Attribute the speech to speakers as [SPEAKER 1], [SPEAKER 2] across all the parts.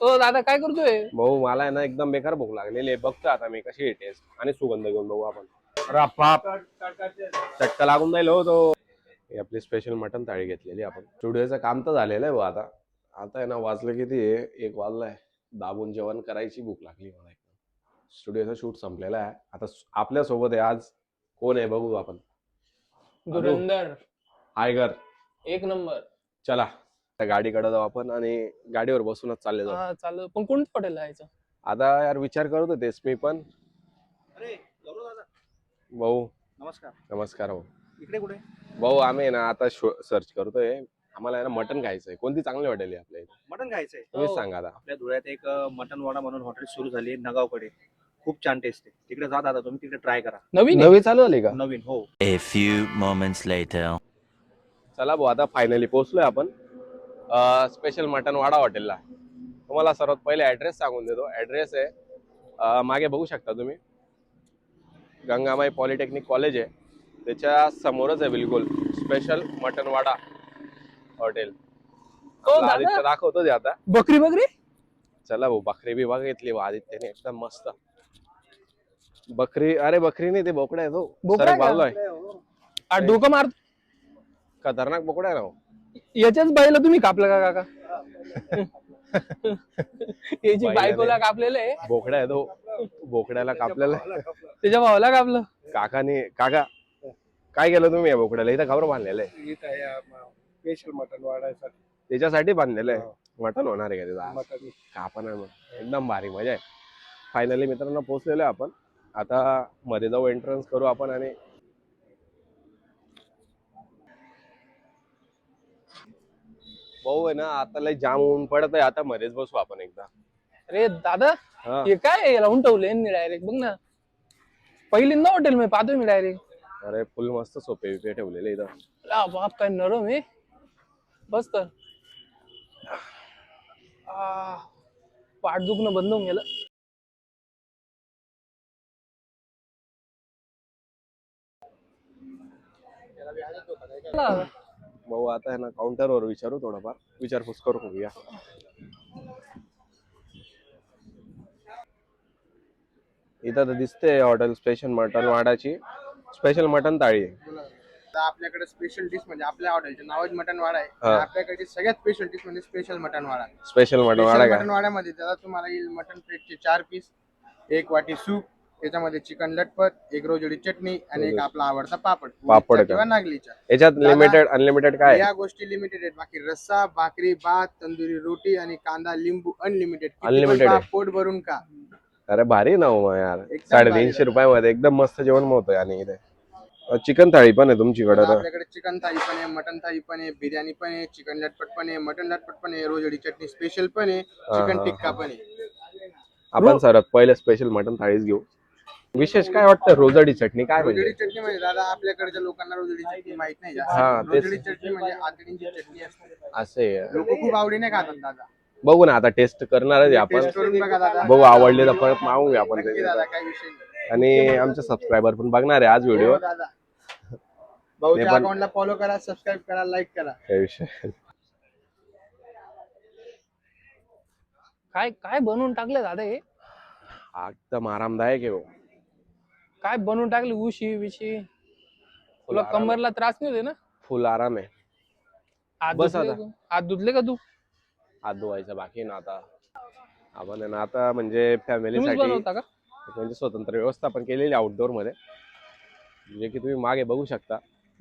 [SPEAKER 1] हो दादा काय करतोय?
[SPEAKER 2] भाऊ मला आहे ना एकदम बेकार भूक लागलेली आहे. बघतो आता मी कशी आहे टेस्ट आणि सुगंध घेऊन बघू आपण. अरे बाप, चटका लागून जाईल हो तो. ही आपली स्पेशल मटन थाळी घेतलेली आपण. स्टुडिओचं काम तर झालेलं आहे भाऊ. आता आता आहे ना वाजलं किती आहे, 1 वाजलाय. दाबून जेवण करायची भूक लागली मला एकदम. स्टुडिओचा शूट संपलेला आहे. आता आपल्या सोबत आहे आज कोण आहे बघू आपण.
[SPEAKER 1] धुरंधर
[SPEAKER 2] टायगर
[SPEAKER 1] एक नंबर.
[SPEAKER 2] चला त्या गाडीकडे जाऊ आपण आणि गाडीवर बसूनच चालले जाऊ.
[SPEAKER 1] हा चालू. पण कोणतं हॉटेल जायचं?
[SPEAKER 2] आता यार विचार करत होतेस मी पण.
[SPEAKER 3] अरे गौरव दादा,
[SPEAKER 2] भाऊ
[SPEAKER 3] नमस्कार.
[SPEAKER 2] नमस्कार भाऊ.
[SPEAKER 3] इकडे कुठे?
[SPEAKER 2] भाऊ आम्ही ना आता सर्च करतोय. आम्हाला आहे ना मटन खायचंय. कोणती चांगली हॉटेल आहे आपल्या इथे
[SPEAKER 3] मटण खायचंय.
[SPEAKER 2] तुम्हीच
[SPEAKER 1] हो.
[SPEAKER 2] सांगा आता.
[SPEAKER 3] आपल्या धुळ्यात एक मटन वाडा म्हणून हॉटेल सुरू झाली नगावकडे. खूप छान टेस्ट आहे. तिकडे जा दादा, तुम्ही तिकडे ट्राय करा.
[SPEAKER 1] नवीन आहे?
[SPEAKER 2] नवी चालू झाली का?
[SPEAKER 3] नवीन हो.
[SPEAKER 4] A few moments later.
[SPEAKER 2] चला भाऊ आता फायनली पोहोचलोय आपण स्पेशल मटन वाडा हॉटेलला. तुम्हाला सर्वात पहिले ऍड्रेस सांगून देतो. ऍड्रेस आहे मागे बघू शकता तुम्ही, गंगामाई पॉलिटेक्निक कॉलेज आहे त्याच्या समोरच आहे बिलकुल स्पेशल मटन वाडा हॉटेल.
[SPEAKER 1] हो दादा.
[SPEAKER 2] आदित्य दाखवतो ते आता.
[SPEAKER 1] बकरी बकरी
[SPEAKER 2] चला भाऊ बकरी बी बघितली आदित्यने एकदम मस्त. बकरी, अरे बकरी नाही ते बोकडा आहे तो.
[SPEAKER 1] बोकडा
[SPEAKER 2] सरक
[SPEAKER 1] का?
[SPEAKER 2] बाजूला आहे.
[SPEAKER 1] आ डोकं मार.
[SPEAKER 2] खतरनाक बोकडा आहे ना हो.
[SPEAKER 1] याच्याच बाईला तुम्ही कापलं का काका? याची
[SPEAKER 2] बाईला
[SPEAKER 1] बायकोला
[SPEAKER 2] नाही.
[SPEAKER 1] कापलेलं आहे,
[SPEAKER 2] बोकडा आहे तो. बोकड्याला कापलेला आहे.
[SPEAKER 1] त्याच्या भावाला कापलं.
[SPEAKER 2] काका काय केलं तुम्ही या बोकड्याला? इथं खबर बांधलेलं आहे.
[SPEAKER 5] स्पेशल मटन वाढायसाठी
[SPEAKER 2] त्याच्यासाठी बांधलेलं आहे. मटण होणार आहे का त्याचा?
[SPEAKER 5] मटन
[SPEAKER 2] कापण आहे मग एकदम भारी मजा आहे. फायनली मित्रांनो पोहोचलेलो आहे आपण. आता मध्ये जाऊ, एंट्रन्स करू आपण आणि भाऊ आहे ना आता लय जाम ऊन पडत आहे. आता मध्येच बसू आपण एकदा.
[SPEAKER 1] अरे दादा
[SPEAKER 2] हा.
[SPEAKER 1] हे काय लावून ठेवलंय डायरेक्ट बघ ना. पहिल्यांदा हॉटेल मी पाहतोय मी डायरेक्ट.
[SPEAKER 2] अरे फुल मस्त सोपे बिपे ठेवलेले इथं.
[SPEAKER 1] बाप काय नरम आहे. बस तर पाठ दुखणं बंद होऊन गेलं.
[SPEAKER 2] भाऊ आता आहे ना काउंटरवर विचारू, थोडंफार विचारपूस करू बघूया. इथं तर दिसते हॉटेल स्पेशल मटन वाडाची स्पेशल मटन थाळी आहे.
[SPEAKER 5] आपल्याकडे स्पेशल डिश म्हणजे आपल्या हॉटेलचे नावच मटन वाडा आहे.
[SPEAKER 2] हा.
[SPEAKER 5] आपल्याकडे सगळ्यात स्पेशल डिश म्हणजे स्पेशल मटन वाडा.
[SPEAKER 2] स्पेशल मटन वाडा
[SPEAKER 5] मटन
[SPEAKER 2] का?
[SPEAKER 5] वाड्यामध्ये त्याला तुम्हाला येईल मटन प्लेटचे 4 पीस, 1 वाटी सूप, त्याच्यामध्ये चिकन लटपत, 1 रोजडी चटणी आणि एक आपला आवडता पापड
[SPEAKER 2] पापड का?
[SPEAKER 5] किंवा नागलीचा.
[SPEAKER 2] याच्यात
[SPEAKER 5] दादा,
[SPEAKER 2] लिमिटेड अनलिमिटेड काय आहे?
[SPEAKER 5] या गोष्टी लिमिटेड आहेत. बाकी रस्सा, भाकरी, भात, तंदुरी रोटी आणि कांदा लिंबू अनलिमिटेड.
[SPEAKER 2] Unlimited आहे.
[SPEAKER 5] पोट भरून का.
[SPEAKER 2] अरे भारी ना हो यार.
[SPEAKER 5] एकदम
[SPEAKER 2] 350 रुपयामध्ये एकदम मस्त जेवण होतंय. आणि इथे चिकन थाळी पण आहे तुमच्याकडे तर?
[SPEAKER 5] आपल्याकडे चिकन थाळी पण आहे, मटन थाळी पण आहे, बिर्याणी पण आहे, चिकन लटपट पण आहे, मटन लटपट पण आहे, रोजडी चटणी स्पेशल पण आहे, चिकन टिक्का पण आहे.
[SPEAKER 2] आपण सर्वात पहिले स्पेशल मटन थाळीच घेऊ. विशेष काय वाटतं रोजडी चटणी काय
[SPEAKER 5] रोजडी
[SPEAKER 2] म्हणजे?
[SPEAKER 5] चटणी म्हणजे दादा आपल्याकडच्या लोकांना रोजडी चटणी माहित नाही
[SPEAKER 2] हा,
[SPEAKER 5] जास्त.
[SPEAKER 2] तेच.
[SPEAKER 5] रोजडी चटणी म्हणजे आतडीची चटणी असते.
[SPEAKER 2] असे
[SPEAKER 5] लोक खूप आवडीने खातात दादा.
[SPEAKER 2] बघू ना आता टेस्ट करणारच आहे आपण.
[SPEAKER 5] टेस्ट करून बघा दादा.
[SPEAKER 2] बघू आवडले तर परत मागूया आपण
[SPEAKER 5] नक्की
[SPEAKER 2] ते.
[SPEAKER 5] दादा, काही विषय नाही.
[SPEAKER 2] आणि आमचे सबस्क्रायबर पण बघणार आहे आज व्हिडिओ.
[SPEAKER 5] हो दादा, भाऊच्या
[SPEAKER 2] ते पण-
[SPEAKER 5] अकाउंटला फॉलो करा, सबस्क्राईब करा, लाईक करा.
[SPEAKER 2] काही विषय.
[SPEAKER 1] काय काय बनवून टाकलं दादा हे?
[SPEAKER 2] एकदम आरामदायक आहे भाऊ.
[SPEAKER 1] काय बनवून टाकले? उशी विशी तुला
[SPEAKER 2] आराम.
[SPEAKER 1] कमरला त्रास नाही होते ना?
[SPEAKER 2] फुल आराम आहे.
[SPEAKER 1] हात
[SPEAKER 2] बस
[SPEAKER 1] धुतले
[SPEAKER 2] आता.
[SPEAKER 1] का तू? हात धुतले का तू?
[SPEAKER 2] हात धुवायचा बाकी आहे ना आता. आपण आहे ना आता म्हणजे
[SPEAKER 1] तुम्हीच
[SPEAKER 2] फॅमिलीसाठी
[SPEAKER 1] बनवता का?
[SPEAKER 2] म्हणजे स्वतंत्र व्यवस्थापन केलेली आउटडोर मध्ये. जे की तुम्ही मागे बघू शकता.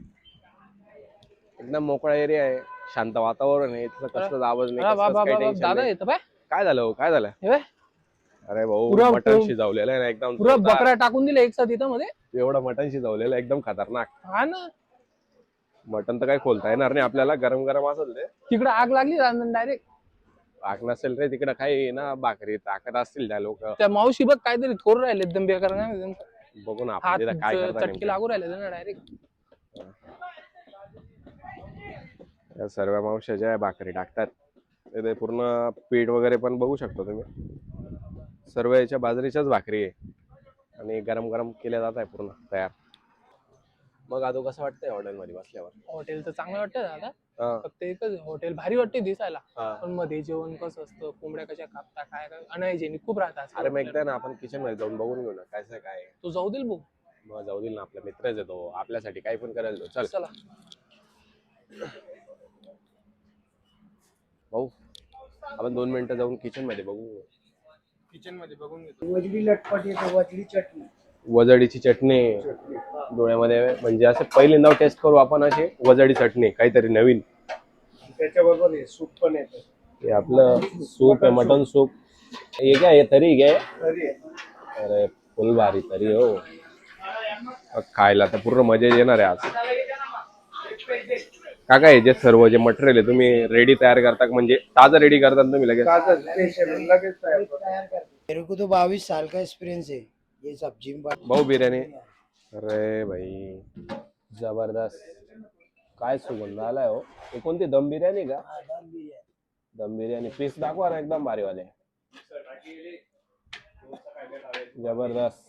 [SPEAKER 2] एकदम मोकळा एरिया आहे, शांत वातावरण आहे, इथलं कसलाच आवाज नाही,
[SPEAKER 1] अरे
[SPEAKER 2] कसलंच काही टेन्शन
[SPEAKER 1] दादा
[SPEAKER 2] नाही.
[SPEAKER 1] येतं पाय.
[SPEAKER 2] काय झालं हो? काय झालं?
[SPEAKER 1] हे बघ,
[SPEAKER 2] अरे भाऊ
[SPEAKER 1] पुरं-
[SPEAKER 2] मटण शिजवलेलं आहे ना एकदम
[SPEAKER 1] पुरा
[SPEAKER 2] जोरदार.
[SPEAKER 1] बकरा टाकून दिले एक साथ इथं मध्ये.
[SPEAKER 2] एवढं मटण शिजवलेलं आहे, एकदम खतरनाक.
[SPEAKER 1] हा ना.
[SPEAKER 2] मटण तर काही खोलता येणार नाही आपल्याला, गरम गरम असेल ते.
[SPEAKER 1] तिकडे आग लागली डायरेक्ट.
[SPEAKER 2] आग नसेल रे तिकडे, काही ना भाकरी टाकत असतील त्या लोक.
[SPEAKER 1] त्या मावशी बघ काहीतरी थोर राहिले एकदम बेकार.
[SPEAKER 2] बघू ना
[SPEAKER 1] हात
[SPEAKER 2] आपण तिथं काय करता
[SPEAKER 1] चटकी
[SPEAKER 2] नेमकं.
[SPEAKER 1] लागू राहिले ना डायरेक्ट.
[SPEAKER 2] या सर्व मावश्या ज्या भाकरी टाकतात ते पूर्ण पीठ वगैरे पण बघू शकता तुम्ही. सर्व याच्या बाजरीच्याच भाकरी आहे आणि गरम गरम केल्या जात आहे पूर्ण तयार. मग आता कसं वाटतंय हॉटेलमध्ये बसल्यावर?
[SPEAKER 1] हॉटेल तर चांगलं वाटतं दादा.
[SPEAKER 2] हा,
[SPEAKER 1] फक्त एकच हॉटेल भारी वाटते दिसायला,
[SPEAKER 2] हा.
[SPEAKER 1] पण मध्ये जेवण कसं असतं, कोंबड्या कशा कापता, काय काय अनहायजेनिक खूप राहतात.
[SPEAKER 2] अरे मग एकदा ना आपण किचन मध्ये जाऊन बघून घेऊ ना काय काय.
[SPEAKER 1] तू जाऊ देईल भाऊ.
[SPEAKER 2] मग जाऊ देईल ना, आपला मित्रच येतो आपल्यासाठी काही पण करायला तो. चल
[SPEAKER 1] चला.
[SPEAKER 2] भाऊ, आपण 2 मिनिटं जाऊन किचन मध्ये बघू.
[SPEAKER 5] किचन मध्ये बघून घेतो.
[SPEAKER 6] वजडी लटपट येते, वजडी चटणी.
[SPEAKER 2] वजडीची चटणी डोळ्यामध्ये, म्हणजे असं पहिल्यांदा टेस्ट करू आपण अशी वजडी चटणी, काहीतरी नवीन.
[SPEAKER 6] त्याच्याबरोबर हे सूप पण येतं.
[SPEAKER 2] हे आपलं सूप आहे, मटन सूप. हे काय आहे, तरी घे.
[SPEAKER 6] तरी
[SPEAKER 2] अरे फुल भारी तरी हो. खायला तर पूर्ण मजा येणार आहे आज. काका हे जे सर्व जे मटेरियल आहे तुम्ही रेडी तयार करता, म्हणजे ताजं रेडी करता तुम्ही लगेच?
[SPEAKER 6] ताजा स्पेशल लगेच तयार करतो. मेरे को तो 22 साल का एक्सपीरियंस है ये सब्जी में।
[SPEAKER 2] भाऊ बिर्याणी. अरे भाई जबरदस्त, काय सुगंध आलाय हो. हे कोणती दम बिर्याणी का? दम बिर्याणी. पीस दाखवा ना एकदम भारी वाले. जबरदस्त,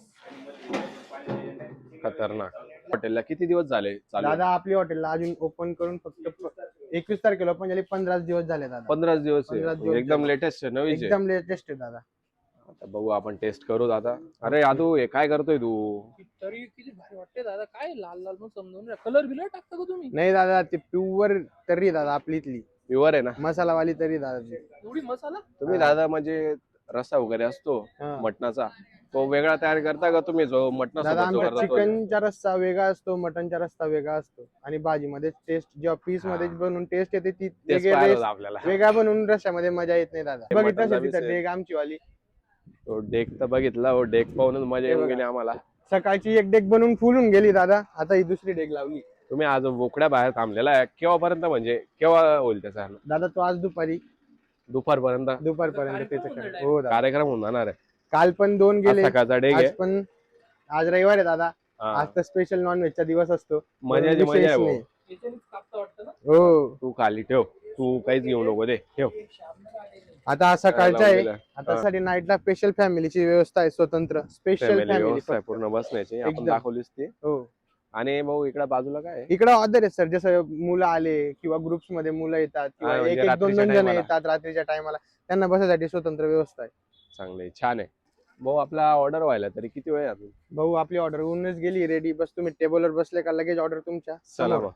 [SPEAKER 2] खतरनाक. हॉटेलला किती दिवस झाले चालू?
[SPEAKER 5] दादा आपली हॉटेलला अजून ओपन करून फक्त 21 तारखेला ओपन झाली, 15 दिवस झाले दादा.
[SPEAKER 2] 15 दिवस आहे.
[SPEAKER 5] 15 दिवस
[SPEAKER 2] एकदम
[SPEAKER 5] झाले.
[SPEAKER 2] लेटेस्ट आहे, नवीच आहे.
[SPEAKER 5] एकदम लेटेस्ट आहे दादा.
[SPEAKER 2] आता बघू आपण, टेस्ट करू दादा. अरे यादू हे काय करतोय तू?
[SPEAKER 1] तरी किती भारी वाटते दादा, काय लाल लाल मग समजून कलर बिलर टाकता का तुम्ही?
[SPEAKER 5] नाही दादा, ते प्युअर तर्री दादा आपली इथली
[SPEAKER 2] प्युअर आहे ना?
[SPEAKER 5] मसालावाली तर्री दादा ती.
[SPEAKER 1] एवढी मसाला?
[SPEAKER 2] तुम्ही दादा म्हणजे रस्सा वगैरे असतो
[SPEAKER 5] हा.
[SPEAKER 2] मटणाचा, तो वेगळा तयार करता का तुम्ही, जो मटणा
[SPEAKER 5] दादा
[SPEAKER 2] सोबत जो
[SPEAKER 5] आमचा
[SPEAKER 2] करता तो?
[SPEAKER 5] चिकनचा रस्सा वेगळा असतो, मटनचा रस्सा वेगळा असतो, आणि भाजीमध्ये टेस्ट जेव्हा पीस मध्ये बनवून टेस्ट येते ती
[SPEAKER 2] तेच
[SPEAKER 5] वेगळी
[SPEAKER 2] पाहिलं
[SPEAKER 5] taste-
[SPEAKER 2] होतं आपल्याला.
[SPEAKER 5] वेगळा बनवून रश्यामध्ये मजा येत नाही दादा.
[SPEAKER 2] ते
[SPEAKER 5] बघितलं
[SPEAKER 2] मटणचा
[SPEAKER 5] असेल तिथं
[SPEAKER 2] piece आहे.
[SPEAKER 5] डेग आमची वाली.
[SPEAKER 2] तो डेक तर बघितला हो, डेक पाहूनच मजा येऊन गेली आम्हाला.
[SPEAKER 5] सकाळची एक डेग बनवून फुलून गेली दादा, आता ही दुसरी डेग लावली.
[SPEAKER 2] तुम्ही आज बोकड्या बाहेर थांबलेला आहे केव्हापर्यंत, म्हणजे केव्हा होईल त्याचा?
[SPEAKER 5] दादा तो आज
[SPEAKER 2] दुपारपर्यंत
[SPEAKER 5] दुपारपर्यंत त्याचं काय. हो दादा,
[SPEAKER 2] कार्यक्रम होऊन जाणार आहे.
[SPEAKER 5] काल पण 2
[SPEAKER 2] आज
[SPEAKER 5] गेले,
[SPEAKER 2] सकाळचा डेक
[SPEAKER 5] आज
[SPEAKER 2] आहे.
[SPEAKER 5] पण. आज रविवार आहे दादा,
[SPEAKER 2] हा.
[SPEAKER 5] आज तर स्पेशल नॉन व्हेजचा दिवस असतो.
[SPEAKER 2] मजाची मजा आहे भाऊ.
[SPEAKER 5] नाही.
[SPEAKER 1] याच्यानेच कापता वाटतं ना?
[SPEAKER 5] हो,
[SPEAKER 2] तू खाली ठेव, तू काहीच घेऊ नको, दे ठेव.
[SPEAKER 5] आता हा सकाळचा आहे.
[SPEAKER 2] लावलेलं.
[SPEAKER 5] आता
[SPEAKER 2] हा.
[SPEAKER 5] साठी नाईटला स्पेशल फॅमिलीची व्यवस्था आहे, स्वतंत्र स्पेशल
[SPEAKER 2] फॅमिली
[SPEAKER 5] फॅमिली.
[SPEAKER 2] व्यवस्था आहे पूर्ण बसण्याची, आपण
[SPEAKER 5] एकदम.
[SPEAKER 2] दाखवलीच ती.
[SPEAKER 5] हो,
[SPEAKER 2] आणि भाऊ इकडे बाजूला काय आहे?
[SPEAKER 5] इकडे ऑर्डर आहे सर, जसं मुलं आले किंवा ग्रुप्स मध्ये मुलं येतात किंवा
[SPEAKER 2] म्हणजे
[SPEAKER 5] एक एक दोन
[SPEAKER 2] रात्रीच्या
[SPEAKER 5] दोन जण
[SPEAKER 2] time ला.
[SPEAKER 5] येतात रात्रीच्या टायमाला, त्यांना बसायसाठी स्वतंत्र व्यवस्था आहे.
[SPEAKER 2] चांगले, छान आहे भाऊ. आपला ऑर्डर व्हायला तरी किती वेळ आहे अजून?
[SPEAKER 5] भाऊ आपली ऑर्डर होऊनच गेली रेडी, बस तुम्ही टेबलवर बसले का लगेच ऑर्डर तुमच्या
[SPEAKER 2] चला
[SPEAKER 5] समोर.
[SPEAKER 2] मग.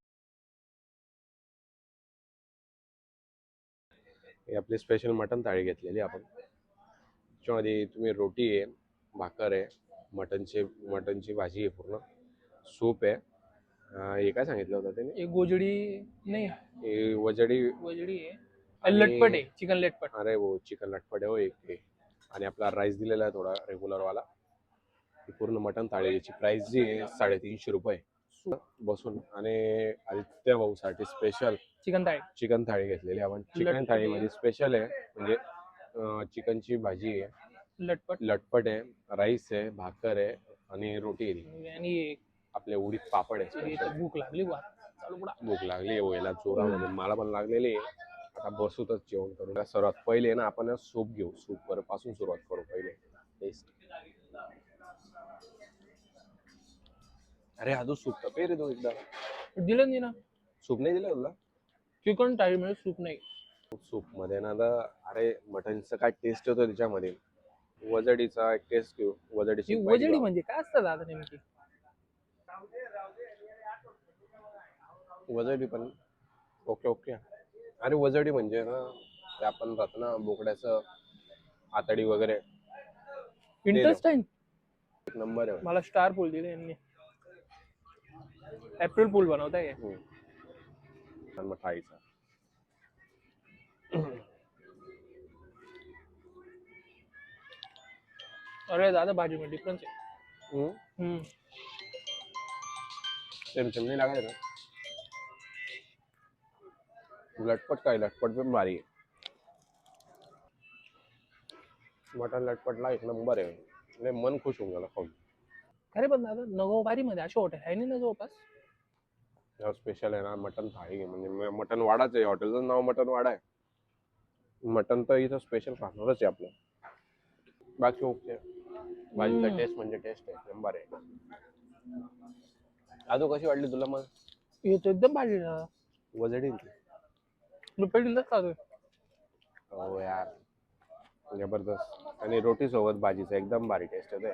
[SPEAKER 2] ही आपली स्पेशल मटन थाळी घेतलेली आपण. त्याच्यामध्ये तुम्ही रोटी आहे, भाकर आहे, मटनची भाजी आहे, पूर्ण सूप आहे. हे काय सांगितलं होतं त्याने?
[SPEAKER 1] एक गोजडी नाही,
[SPEAKER 2] हे वजडी.
[SPEAKER 1] गोजडी आहे,
[SPEAKER 2] आणि-
[SPEAKER 1] लटपट आहे, चिकन लटपट.
[SPEAKER 2] अरे हो, चिकन लटपट आहे हो एक ते. आणि आपला राईस दिलेला आहे थोडा रेग्युलर वाला. ही पूर्ण मटन थाळीची प्राइस जी आहे 350 रुपये बसून. आणि आदित्य भाऊ साठी स्पेशल
[SPEAKER 1] चिकन थाळी.
[SPEAKER 2] चिकन थाळी घेतलेली आपण. चिकन
[SPEAKER 1] लटपट
[SPEAKER 2] थाळीमध्ये स्पेशल आहे, म्हणजे चिकनची भाजी आहे, लटपट आहे, राईस आहे, भाकर आहे आणि रोटी आहे.
[SPEAKER 1] आणि
[SPEAKER 2] आपले उडीद पापड आहे
[SPEAKER 1] इथं
[SPEAKER 2] special.
[SPEAKER 1] भूक लागली बा, चालू पुढं.
[SPEAKER 2] भूक लागली व्हायला जोरामध्ये, मला पण लागलेली आहे. आता बसूतच जेवण करू. सर्वात पहिले ना आपण सूप घेऊ, सूप वर पासून सुरुवात करू पहिले. टेस्ट. अरे आजू सूप तर रे तू एकदा.
[SPEAKER 1] दिलं नाही ना,
[SPEAKER 2] सूप नाही दिलं तुला?
[SPEAKER 1] चिकन थाळी मध्ये सूप नाही.
[SPEAKER 2] सूप मध्ये ना आता, अरे मटनचा काय टेस्ट होतो त्याच्यामध्ये. वजडीचा एक टेस्ट घेऊ. वजडीची
[SPEAKER 1] ही
[SPEAKER 2] bite
[SPEAKER 1] वजडी
[SPEAKER 2] घेऊ.
[SPEAKER 1] म्हणजे काय असतं दादा नेमकी?
[SPEAKER 2] वजडी पण ओके ओके. अरे वजडी म्हणजे ना, ते आपण राहतो ना बोकड्याचं आतडी वगैरे,
[SPEAKER 1] इंटरेस्टिंग.
[SPEAKER 2] एक नंबर आहे.
[SPEAKER 1] मला स्टार पूल दिले यांनी. एप्रिल पूल बनवताय.
[SPEAKER 2] आणि मग थाळीचा.
[SPEAKER 1] अरे दादा भाजी में डिफरन्स आहे.
[SPEAKER 2] सेम नाही लागत ना. लटपट काय, लटपट पण भारी आहे. मटन लटपटला एक नंबर आहे. लय मन खुश होऊन गेलं खाऊन.
[SPEAKER 1] अरे पण दादा नगोबारी मध्ये असे हॉटेल आहे नाही ना जवळपास?
[SPEAKER 2] स्पेशल आहे ना मटन थाळी, म्हणजे मटन वाडाच आहे. हॉटेलचं नाव मटन वाडा आहे. मटन तर इथं स्पेशल खाणारच आहे आपलं. बाकी ओके. भाजीचा टेस्ट म्हणजे टेस्ट आहे, नंबर आहे. अजून कशी वाटली तुला मग?
[SPEAKER 1] येतो एकदम भाजी.
[SPEAKER 2] वजडी
[SPEAKER 1] मी पहिल्यांदाच खातोय.
[SPEAKER 2] हो यार, जबरदस्त. आणि रोटी सोबत भाजीचं एकदम भारी टेस्ट येते.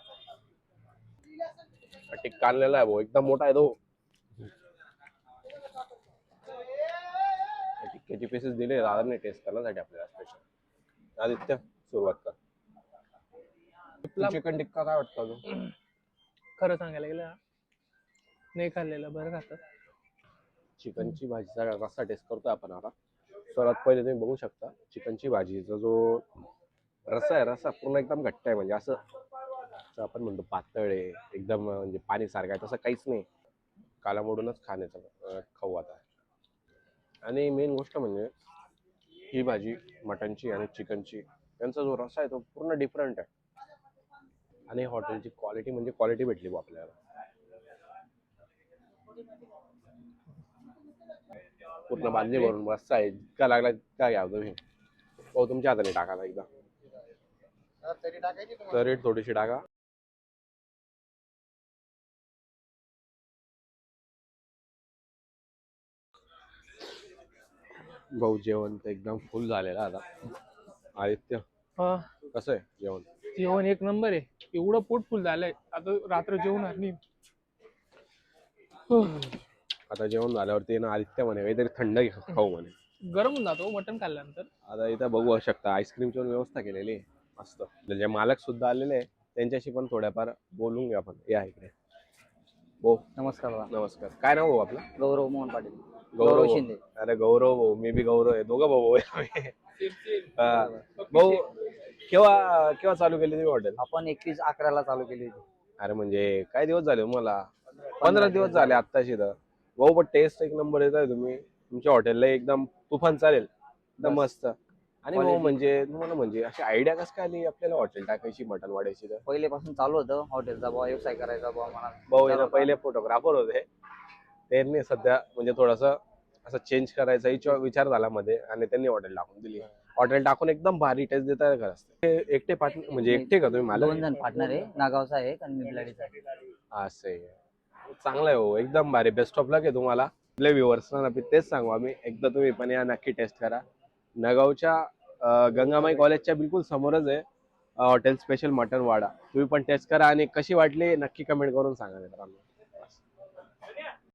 [SPEAKER 2] टिक्का आणलेला आहे भाऊ, एकदम मोठा आहे तो. टिक्क्याची पीसेस दिले दादाने टेस्ट करण्यासाठी आपल्याला स्पेशल. आदित्य सुरुवात कर. चिकन टिक्का काय वाटतं अजून?
[SPEAKER 1] खरं सांगायला गेलं ना, नाही खाल्लेलं बरं खातं.
[SPEAKER 2] चिकनची भाजीचा रस्सा टेस्ट करतोय आपण आता. सर्वात पहिले तुम्ही बघू शकता चिकनची भाजीचा जो रस्सा आहे, रस्सा पूर्ण एकदम घट्ट आहे. म्हणजे असं आपण म्हणतो पातळ आहे एकदम, म्हणजे पाणी सारखं आहे, तसं काहीच नाही. कालामोडूनच खाण्याचं खाऊ आता. आणि मेन गोष्ट म्हणजे ही भाजी मटनची आणि चिकनची यांचा जो रस्सा आहे तो पूर्ण डिफरंट आहे. आणि हॉटेलची क्वालिटी म्हणजे क्वालिटी भेटली बा आपल्याला. पूर्ण बांधली भरून रस्सा आहे, इतका लागला काय घ्यावं तुम्ही. हो तुमच्या हाताने टाकायला एकदा,
[SPEAKER 5] तरी टाकायची तुम्हाला.
[SPEAKER 2] तरी थोडीशी टाका. भाऊ जेवण तर एकदम फुल झालेलं आता. आदित्य
[SPEAKER 1] हा,
[SPEAKER 2] कसं आहे जेवण?
[SPEAKER 1] जेवण एक नंबर आहे. एवढं पोट फुल झालंय, आता रात्र जेवणार नाही.
[SPEAKER 2] आता जेवण झाल्यावरती ना आदित्य म्हणे काहीतरी थंड खाऊ म्हणे.
[SPEAKER 1] गरम होऊन जातो मटण खाल्ल्यानंतर.
[SPEAKER 2] आता इथं बघू शकता आईस्क्रीमची व्यवस्था केलेली आहे मस्त. जे मालक सुद्धा आलेले आहे त्यांच्याशी पण थोड्याफार बोलून घ्या आपण. या इकडे. हो
[SPEAKER 7] नमस्कार दादा.
[SPEAKER 2] नमस्कार. काय नाव भाऊ आपलं?
[SPEAKER 7] गौरव मोहन पाटील.
[SPEAKER 2] गौरव
[SPEAKER 7] शिंदे.
[SPEAKER 2] अरे गौरव भाऊ, मी बी गौरव आहे, दोघं भाऊ आहे आम्ही. भाऊ केव्हा केव्हा चालू केली तुम्ही हॉटेल?
[SPEAKER 7] आपण 21/11 चालू केली होती.
[SPEAKER 2] अरे म्हणजे काय दिवस झाले मला? 15 दिवस झाले आत्ताशी. तर भाऊ पण टेस्ट एक नंबर येत आहे. तुम्ही तुमच्या हॉटेलला एकदम तुफान चालेल, एकदम मस्त. आणि भाऊ म्हणजे तुम्हाला म्हणजे अशी आयडिया कसं काय आली आपल्याला हॉटेल टाकायची, मटण वाढायची? तर
[SPEAKER 7] पहिलेपासून चालू होतं हॉटेलचा व्यवसाय करायचा मला.
[SPEAKER 2] भाऊ आहे ना पहिले फोटोग्राफर होते, त्यांनी सध्या म्हणजे थोडंसं असं चेंज करायचा विचार झाला मध्ये आणि त्यांनी हॉटेल टाकून दिली. हॉटेल टाकून एकदम भारी टेस्ट देत आहे खरंच. एकटे पार्टनर म्हणजे एकटे का तुम्ही? मला
[SPEAKER 7] 2 जण पार्टनर आहे, नागावचा आहे आणि मिबलाडीचा आहे.
[SPEAKER 2] असं आहे. चांगलं आहे हो, एकदम भारी. बेस्ट ऑफ लक आहे तुम्हाला. आपल्या व्ह्युअर्सना तेच सांगू आम्ही, एकदा तुम्ही पण या, नक्की टेस्ट करा. नगावच्या गंगामाई कॉलेजच्या बिलकुल समोरच आहे हॉटेल स्पेशल मटन वाडा. तुम्ही पण टेस्ट करा आणि कशी वाटली नक्की कमेंट करून सांगा मित्रांनो.